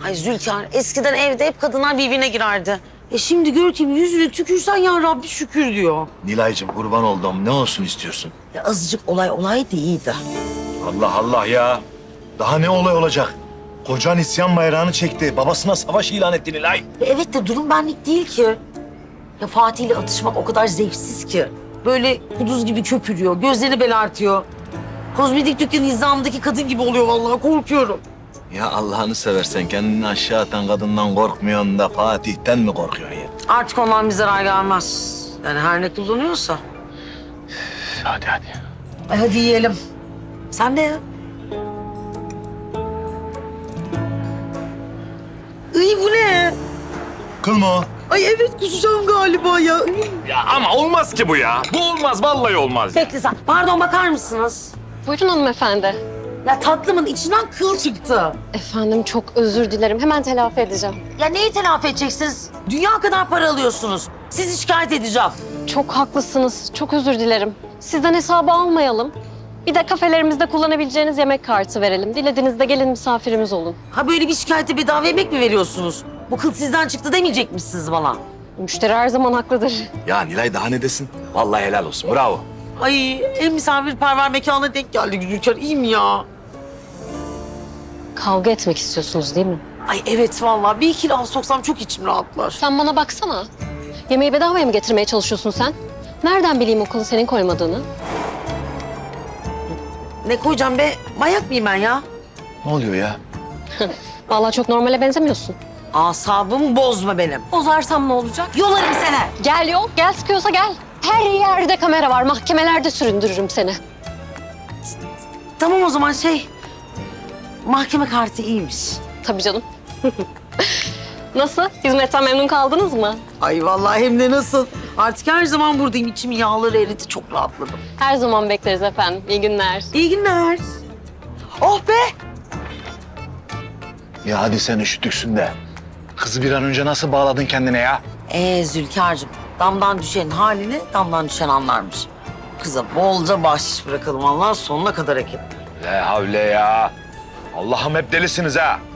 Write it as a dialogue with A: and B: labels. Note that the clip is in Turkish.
A: Ay Zülkar, eskiden evde hep kadınlar birbirine girerdi. Şimdi gör ki yüzüne tükürsen ya Rabbi şükür diyor.
B: Nilay'cığım kurban oldum. Ne olsun istiyorsun?
A: Ya azıcık olay değildi.
B: Allah Allah ya. Daha ne olay olacak? Kocan isyan bayrağını çekti. Babasına savaş ilan etti Nilay.
A: Evet de durum benlik değil ki. Ya Fatih ile atışmak o kadar zevksiz ki. Böyle kuduz gibi köpürüyor, gözlerini belertiyor. Kozmetik dükkanı nizamındaki kadın gibi oluyor vallahi, korkuyorum.
B: Ya Allah'ını seversen kendini aşağı atan kadından korkmuyorsun da Fatih'ten mi korkuyorsun ya?
A: Artık ondan bir zarar gelmez. Yani her ne kullanıyorsa.
B: Hadi.
A: Hadi yiyelim. Sen de ya. Iy bu ne?
B: Kıl mı o?
A: Ay evet kusacağım galiba ya.
C: Ya ama olmaz ki bu ya. Bu olmaz, vallahi olmaz.
A: Bekle sen. Pardon bakar mısınız?
D: Buyurun hanımefendi.
A: Ya tatlımın içinden kıl çıktı.
D: Efendim çok özür dilerim. Hemen telafi edeceğim.
A: Ya neyi telafi edeceksiniz? Dünya kadar para alıyorsunuz. Sizi şikayet edeceğim.
D: Çok haklısınız. Çok özür dilerim. Sizden hesabı almayalım. Bir de kafelerimizde kullanabileceğiniz yemek kartı verelim. Dilediğinizde gelin misafirimiz olun.
A: Ha böyle bir şikayete bedava yemek mi veriyorsunuz? Bu kıl sizden çıktı demeyecek misiniz bana?
D: Müşteri her zaman haklıdır.
B: Ya Nilay daha ne desin? Vallahi helal olsun. Bravo.
A: Ay en misafirperver mekana denk geldi Gülçer. İyi mi ya?
D: Kavga etmek istiyorsunuz değil mi?
A: Ay evet vallahi bir iki laf soksam çok içim rahatlar.
D: Sen bana baksana. Yemeği bedavaya mı getirmeye çalışıyorsun sen? Nereden bileyim o kılı senin koymadığını?
A: Ne koyacağım be? Manyak mıyım ben ya?
B: Ne oluyor ya?
D: Vallahi çok normale benzemiyorsun.
A: Asabımı bozma benim.
D: Bozarsam ne olacak?
A: Yolarım seni.
D: Gel yok, gel sıkıyorsa gel. Her yerde kamera var, mahkemelerde süründürürüm seni.
A: Tamam o zaman mahkeme kartı iyiymiş.
D: Tabii canım. Nasıl? Hizmetten memnun kaldınız mı?
A: Ay vallahi hem de nasıl. Artık her zaman buradayım. İçimin yağları eridi. Çok rahatladım.
D: Her zaman bekleriz efendim. İyi günler.
A: İyi günler. Oh be!
B: Ya hadi sen üşütüksün de. Kızı bir an önce nasıl bağladın kendine ya?
A: Zülkar'cığım, damdan düşen halini damdan düşen anlarmış. Kıza bolca bahşiş bırakalım. Allah sonuna kadar hak etti.
B: La havle ya. Allah'ım hep delisiniz ha.